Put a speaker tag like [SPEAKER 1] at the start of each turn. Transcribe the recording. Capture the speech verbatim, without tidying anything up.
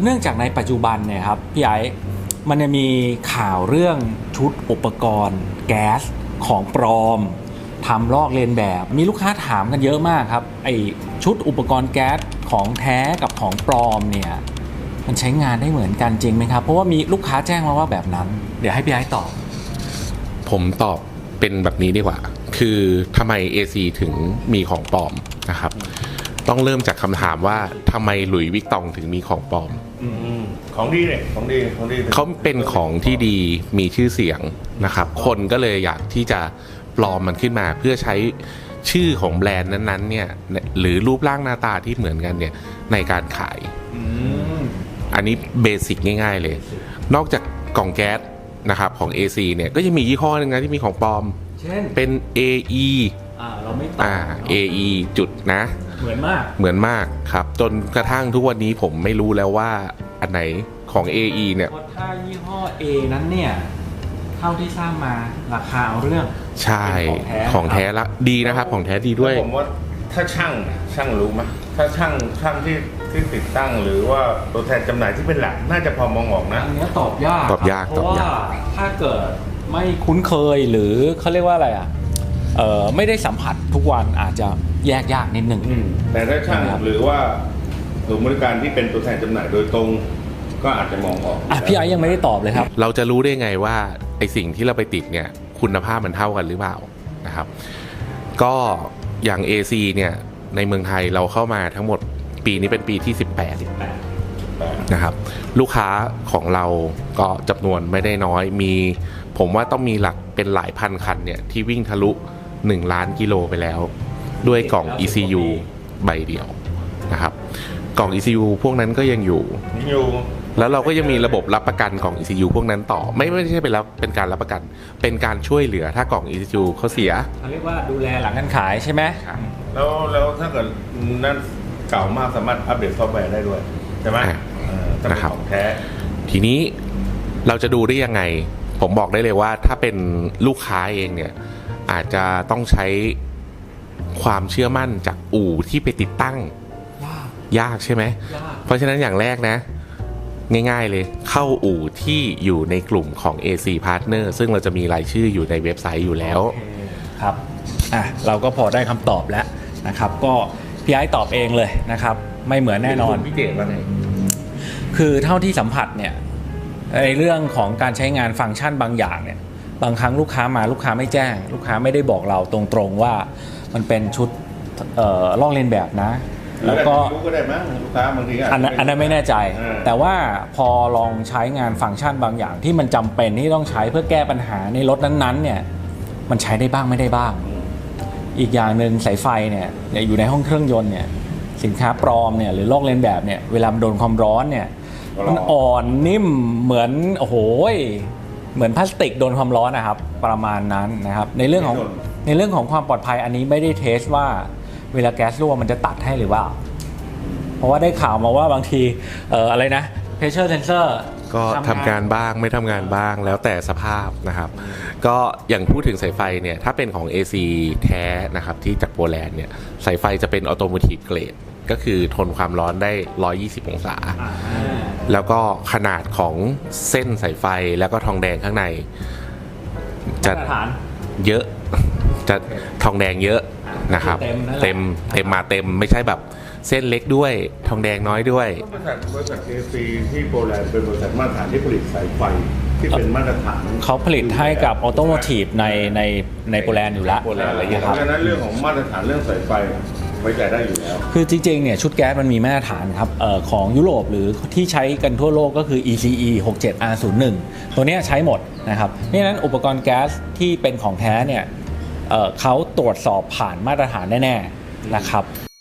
[SPEAKER 1] เนื่องจากในปัจจุบันเนี่ยครับพี่ไอ้มันจะมีข่าวเรื่องชุดอุปกรณ์แก๊สของปลอมทำลอกเลียนแบบมีลูกค้าถามกันเยอะมากครับไอชุดอุปกรณ์แก๊สของแท้กับของปลอมเนี่ยมันใช้งานได้เหมือนกันจริงไหมครับเพราะว่ามีลูกค้าแจ้งมาว่าแบบนั้นเดี๋ยวให้พี่ไอ้ตอบ
[SPEAKER 2] ผมตอบเป็นแบบนี้ดีกว่าคือทำไม เอ ซี ถึงมีของปลอมนะครับต้องเริ่มจากคำถามว่าทำไมหลุยส์วิกตองถึงมีของปลอม
[SPEAKER 3] ของดีเนี่ยของดีของดี
[SPEAKER 2] เขาเป็นของที่ดีมีชื่อเสียงนะครับคนก็เลยอยากที่จะปลอมมันขึ้นมาเพื่อใช้ชื่อของแบรนด์นั้นๆเนี่ยหรือรูปร่างหน้าตาที่เหมือนกันเนี่ยในการขายอันนี้เบสิกง่ายๆเลยนอกจากกล่องแก๊สนะครับของ เอ ซี เนี่ยก็ยังมียี่ห้อนึงนะที่มีของปลอม
[SPEAKER 1] เช่น
[SPEAKER 2] เป็น เอ อี
[SPEAKER 1] อ่าเราไม่ตอบ
[SPEAKER 2] อ่า เอ อี จุดนะ
[SPEAKER 1] เหมือนมาก
[SPEAKER 2] เหมือนมากครับจนกระทั่งทุกวันนี้ผมไม่รู้แล้วว่าอันไหนของ เอ อี เนี่ย
[SPEAKER 1] ถ้ายี่ห้อ A นั้นเนี่ยเท่าที่ทราบมาราคาเอาเรื่อง
[SPEAKER 2] ใช่ของแท้ละดีนะครับของแท้ดีด้วย
[SPEAKER 3] ผมว่าถ้าช่างช่างรู้ไหมถ้าช่างช่างที่ที่ติดตั้งหรือว่าตัวแทนจำหน่ายที่เป็นหลักน่าจะพอมองออกนะ
[SPEAKER 1] อันนี้ตอบยาก
[SPEAKER 2] ตอบยาก
[SPEAKER 1] เพราะว่าถ้าเกิดไม่คุ้นเคยหรือเขาเรียกว่าอะไรอ่ะเอ่อไม่ได้สัมผัสทุกวันอาจจะแยกยากนิดนึง
[SPEAKER 3] แต่ถ้าช่างหรือว่าศูนย์บริการที่เป็นตัวแทนจำหน่ายโดยตรงก็อาจจะมองออก
[SPEAKER 1] อ่ะพี่ไอ้ยังไม่ได้ตอบเลยครับ
[SPEAKER 2] เราจะรู้ได้ไงว่าไอสิ่งที่เราไปติดเนี่ยคุณภาพมันเท่ากันหรือเปล่านะครับก็อย่าง เอ ซี เนี่ยในเมืองไทยเราเข้ามาทั้งหมดปีนี้เป็นปีที่สิบแปดนะครับลูกค้าของเราก็จำนวนไม่ได้น้อยมีผมว่าต้องมีหลักเป็นหลายพันคันเนี่ยที่วิ่งทะลุหนึ่งล้านกิโลไปแล้วด้วยกล่อง อี ซี ยู ใบเดียวนะครับกล่อง อี ซี ยู พวกนั้นก็ยังอยู่แล้วเราก็ยังมีระบบรับประกันกล่อง อี ซี ยู พวกนั้นต่อไม่ไม่ใช่เป็นรับเป็นการรับประกันเป็นการช่วยเหลือถ้ากล่อง อี ซี ยู เขาเสีย
[SPEAKER 1] เขาเรียกว่าดูแลหลังการขายใช่ไหม
[SPEAKER 3] แล้วแล้วถ้าเกิดนั่นเก่ามากสามารถอัปเดตซอฟต์แวร์ได้ด้วยใช่ไหม
[SPEAKER 2] นะครับ
[SPEAKER 3] ของแท้
[SPEAKER 2] ทีนี้เราจะดูได้ยังไงผมบอกได้เลยว่าถ้าเป็นลูกค้าเองเนี่ยอาจจะต้องใช้ความเชื่อมั่นจากอู่ที่ไปติดตั้งยากใช่ไหมเพราะฉะนั้นอย่างแรกนะง่ายๆเลยเข้าอู่ที่อยู่ในกลุ่มของ เอ ซี Partner ซึ่งเราจะมีรายชื่ออยู่ในเว็บไซต์อยู่แล้ว
[SPEAKER 1] ครับอ่ะเราก็พอได้คำตอบแล้วนะครับก็พี่ไอ้ตอบเองเลยนะครับไม่เหมือนแน่นอน
[SPEAKER 3] พี่เจตว่าไง
[SPEAKER 1] คือเท่าที่สัมผัสเนี่ยในเรื่องของการใช้งานฟังก์ชันบางอย่างเนี่ยบางครั้งลูกค้ามาลูกค้าไม่แจ้งลูกค้าไม่ได้บอกเราตรงๆว่ามันเป็นชุดเอ่อลอกเลียนแบบนะแล้วก็
[SPEAKER 3] ก็ได้มั้งลูกค้าบางที
[SPEAKER 1] อันนั้นอันนั้นไม่แน่ใจแต่ว่าพอลองใช้งานฟังก์ชันบางอย่างที่มันจำเป็นที่ต้องใช้เพื่อแก้ปัญหาในรถนั้นๆเนี่ยมันใช้ได้บ้างไม่ได้บ้างอีกอย่างหนึ่งสายไฟเนี่ยอยู่ในห้องเครื่องยนต์เนี่ยสินค้าปลอมเนี่ยหรือลอกเลียนแบบเนี่ยเวลาโดนความร้อนเนี่ยมันอ่อนนิ่มเหมือนโอ้โหเหมือนพลาสติกโดนความร้อนนะครับประมาณนั้นนะครับในเรื่องของในเรื่องของความปลอดภัยอันนี้ไม่ได้เทสว่าเวลาแก๊สรั่วมันจะตัดให้หรือเปล่าเพราะว่าได้ข่าวมาว่าบางทีเอ่ออะไรนะ pressure sensor
[SPEAKER 2] ก็ทำงานบ้างไม่ทำงานบ้างแล้วแต่สภาพนะครับก็อย่างพูดถึงสายไฟเนี่ยถ้าเป็นของ เอ ซี แท้นะครับที่จากโปแลนด์เนี่ยสายไฟจะเป็น automotive grade ก็คือทนความร้อนได้หนึ่งร้อยยี่สิบองศาแล้วก็ขนาดของเส้นสายไฟแล้วก็ทองแดงข้างในจะเยอะจะทองแดงเยอะนะครับเต็มเต็มมาเต็มไม่ใช่แบบเส้นเล็กด้วยทองแดงน้อยด้วย
[SPEAKER 3] บริษัทบริษัท เอ ซี ที่โปแลนด์เป็นบริษัทมาตรฐานที่ผลิตสายไฟที่เป็นมาตรฐาน
[SPEAKER 1] เขาผลิตให้กับออโตโมทีฟในในในโปแลนด์อยู่แล้ว
[SPEAKER 3] โปแลนด์อะไรอย่างเงี้ยครับเพราะฉะนั้นเรื่องของมาตรฐานเรื่องสายไฟไว้ใจได้อยู่แล้ว
[SPEAKER 1] คือจริงๆเนี่ยชุดแก๊สมันมีมาตรฐานครับเอ่อของยุโรปหรือที่ใช้กันทั่วโลกก็คือ อี ซี อี หกสิบเจ็ด อาร์ ศูนย์หนึ่ง ตัวนี้ใช้หมดนะครับนี่นั้นอุปกรณ์แก๊สที่เป็นของแท้เนี่ยเอ่อเขาตรวจสอบผ่านมาตรฐานแน่ๆนะครับ